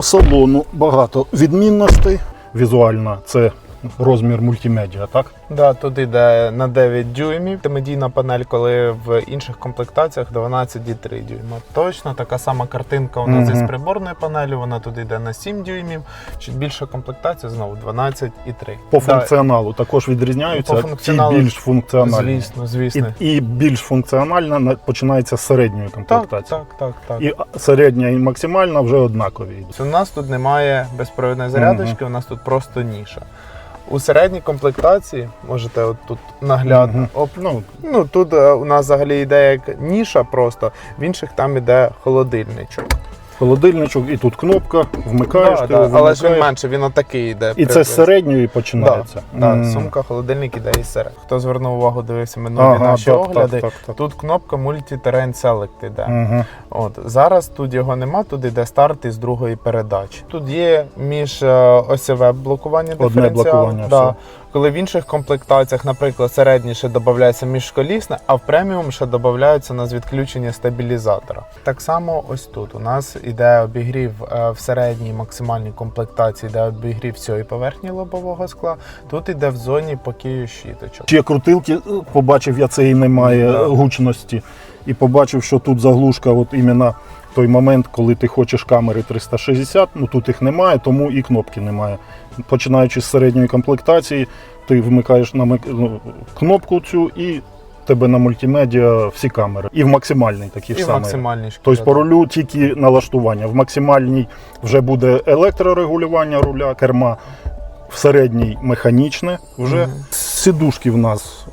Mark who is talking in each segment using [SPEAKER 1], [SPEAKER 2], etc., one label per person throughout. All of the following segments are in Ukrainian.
[SPEAKER 1] салону багато відмінностей. Візуально це розмір мультимедіа, так?
[SPEAKER 2] Да, тут йде на 9 дюймів. Медійна панель, коли в інших комплектаціях 12,3 дюйма. Точно така сама картинка у нас із приборною панелі, вона тут йде на 7 дюймів. Чуть більша комплектація, знову 12,3.
[SPEAKER 1] По функціоналу також відрізняються,
[SPEAKER 2] по функціоналу,
[SPEAKER 1] ті більш функціональні.
[SPEAKER 2] Звісно.
[SPEAKER 1] І більш функціональна починається з середньої комплектації.
[SPEAKER 2] Так.
[SPEAKER 1] І середня і максимальна вже однакові.
[SPEAKER 2] У нас тут немає безпровідної зарядочки, у нас тут просто ніша. У середній комплектації, можете от тут наглядно, тут у нас взагалі йде як ніша просто, в інших там йде холодильничок.
[SPEAKER 1] Холодильничок, і тут кнопка, вмикаєш, ти його
[SPEAKER 2] але ж він менше, він отакий йде.
[SPEAKER 1] І це з середньої починається.
[SPEAKER 2] Сумка, холодильник іде із серед. Хто звернув увагу, дивився минулі наші огляди, тут кнопка Multi-Terrain Select іде. Зараз тут його нема, тут іде старт із другої передачі. Тут є міжосьове блокування диференціалу. Коли в інших комплектаціях, наприклад, середній ще додається міжколісне, а в преміум ще додається у нас відключення стабілізатора. Так само ось тут у нас іде обігрів в середній максимальній комплектації, йде обігрів всієї поверхні лобового скла, тут іде в зоні покію щіточок.
[SPEAKER 1] Ще крутилки, побачив я, це і немає гучності, і побачив, що тут заглушка, от іменно той момент, коли ти хочеш камери 360, тут їх немає, тому і кнопки немає. Починаючи з середньої комплектації, ти вмикаєш на кнопку цю і тебе на мультимедіа всі камери. І в максимальній такі ж самі. Тобто по рулю тільки налаштування. В максимальній вже буде електрорегулювання руля, керма. В середній механічне вже. Сідушки в нас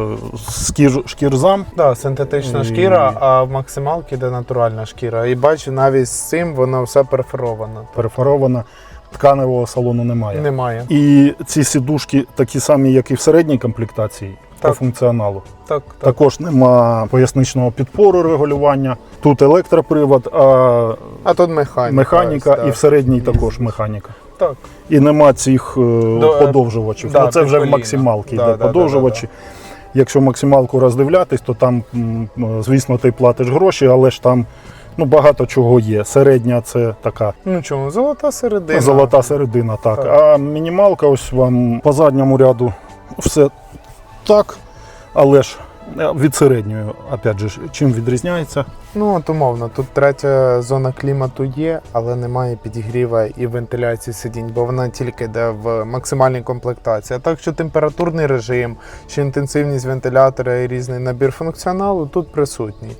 [SPEAKER 1] шкірзам.
[SPEAKER 2] Так, синтетична шкіра, а в максималці йде натуральна шкіра. І бачу, навіть з цим воно все перфоровано.
[SPEAKER 1] Перфоровано. Тканевого салону немає.
[SPEAKER 2] Немає.
[SPEAKER 1] І ці сідушки такі самі, як і в середній комплектації, по функціоналу. Також нема поясничного підпору регулювання. Тут електропривод,
[SPEAKER 2] а тут
[SPEAKER 1] механіка і в середній також механіка.
[SPEAKER 2] Так.
[SPEAKER 1] І нема цих подовжувачів. Це вже в максималці йде подовжувачі. Якщо максималку роздивлятись, то там, звісно, ти платиш гроші, але ж там багато чого є. Середня це така.
[SPEAKER 2] Золота середина.
[SPEAKER 1] Золота середина, так. А мінімалка, ось вам по задньому ряду все так, але ж від середньої, опять же, чим відрізняється?
[SPEAKER 2] Умовно, тут третя зона клімату є, але немає підігріва і вентиляції сидінь, бо вона тільки йде в максимальній комплектації. А так, що температурний режим, чи інтенсивність вентилятора і різний набір функціоналу тут присутній.